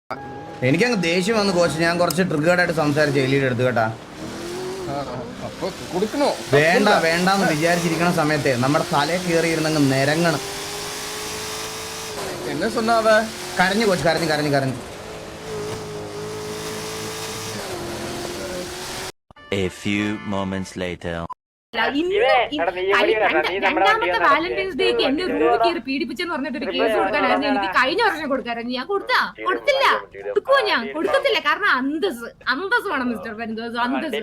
എനിക്കങ്ങ് ദേഷ്യം വന്നു കോച്ച്. ഞാൻ കുറച്ച് ട്രിഗേർഡായിട്ട് സംസാരിച്ചു എലിയുടെ അടുത്ത് കേട്ടാ. വേണ്ട വേണ്ടെന്ന് വിചാരിച്ചിരിക്കുന്ന സമയത്തെ നമ്മുടെ തലയിൽ കയറിയിരുന്നങ്ങ് നിരങ്ങണം. എന്നെ சொன்னாவ കരഞ്ഞു കോച്ച്, കരഞ്ഞു കരഞ്ഞു കരഞ്ഞു. A few moments later. രണ്ടാമത്തെ വാലന്റൈൻസ് ഡേക്ക് എന്നെ റൂമിൽ കയറി പീഡിപ്പിച്ചെന്ന് പറഞ്ഞിട്ട് ഒരു കേസ് കൊടുക്കാനായിരുന്നു എനിക്ക് കഴിഞ്ഞ വർഷം കൊടുക്കാനായിരുന്നു. ഞാൻ കൊടുത്തില്ല, കൊടുക്കുവോ? ഞാൻ കൊടുക്കത്തില്ല. കാരണം അന്തസ് വേണം മിസ്റ്റർ പരിന്തോസ്, അന്തസ്.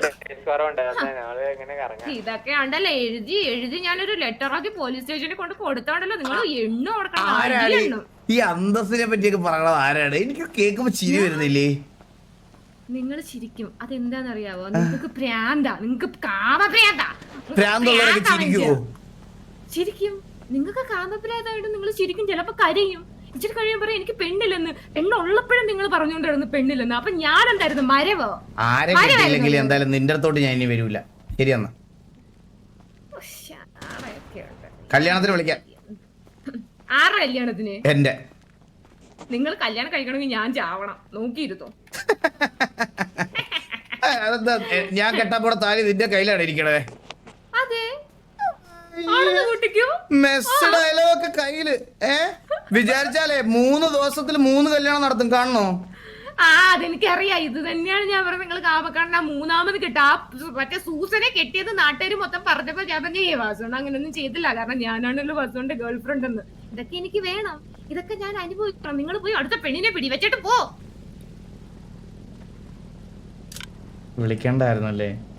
ഇതൊക്കെ ഉണ്ടല്ലോ എഴുതി ഞാനൊരു ലെറ്ററാക്കി പോലീസ് സ്റ്റേഷനിൽ കൊണ്ട് കൊടുത്തോണ്ടല്ലോ. നിങ്ങൾ എണ്ണ കൊടുക്കണം. ഈ അന്തസ്സിനെ പറ്റിയൊക്കെ പറയണത് ആരാണ്? എനിക്ക് കേൾക്കുമ്പോ ചിരി വരുന്നില്ലേ? നിങ്ങൾ ചിരിക്കും. അതെന്താന്നറിയാവോ? നിങ്ങൾക്ക് പ്രാന്താ, നിങ്ങൾക്ക് കാമപ്രാന്താ. ചിരിക്കും. നിങ്ങൾക്ക് കാമപ്രാന്തായിട്ട് നിങ്ങൾ ചിരിക്കും. ചിലപ്പോ കരയും. ഇച്ചിരി കഴിയുമ്പോ എനിക്ക് പെണ്ണില്ലെന്ന്. പെണ്ണുള്ളപ്പോഴും നിങ്ങൾ പറഞ്ഞുകൊണ്ടിരുന്നു പെണ്ണില്ലെന്ന്. അപ്പൊ ഞാൻ എന്തായിരുന്നു? മരവോ? ആരെങ്കിലും എന്തായാലും നിന്റെ അടുത്തോട്ട് ഞാൻ ഇനി വരൂല. ശരിയെന്നാ, കല്യാണത്തിന് വിളിക്കാം. ആരുടെ കല്യാണത്തിന്? എന്റെ. നിങ്ങൾ കല്യാണം കഴിക്കണമെങ്കിൽ ഞാൻ ചാവണം. നോക്കിയിരുന്നോ? അതെന്താ ഞാൻ കെട്ടാപ്പോടെ താലി നിന്റെ കയ്യിലാണ് ഇരിക്കണേ. അതെ, മെസ്സ് ഡയലോഗൊക്കെ കയ്യില്. വിചാരിച്ചാലേ 3 ദിവസത്തിൽ 3 കല്യാണം നടത്തും. കാണണോ? അതെനിക്കറിയാം. ഇത് തന്നെയാണ് ഞാൻ പറഞ്ഞത്. നിങ്ങൾ കാമക്കാരൻ മൂന്നാമത് കിട്ടാ. മറ്റേ സൂസനെ കെട്ടിയത് നാട്ടുകാർ മൊത്തം പറഞ്ഞപ്പോ ഞാൻ പറഞ്ഞ വാസുണ്ട് അങ്ങനെയൊന്നും ചെയ്തില്ല. കാരണം ഞാനാണല്ലോ വാസുവിന്റെ ഗേൾ ഫ്രണ്ട് എന്ന്. ഇതൊക്കെ എനിക്ക് വേണം, ഇതൊക്കെ ഞാൻ അനുഭവിക്കണം. നിങ്ങൾ പോയി അടുത്ത പെണ്ണിനെ പിടി വെച്ചിട്ട് പോ. വിളിക്കണ്ടായിരുന്നല്ലേ?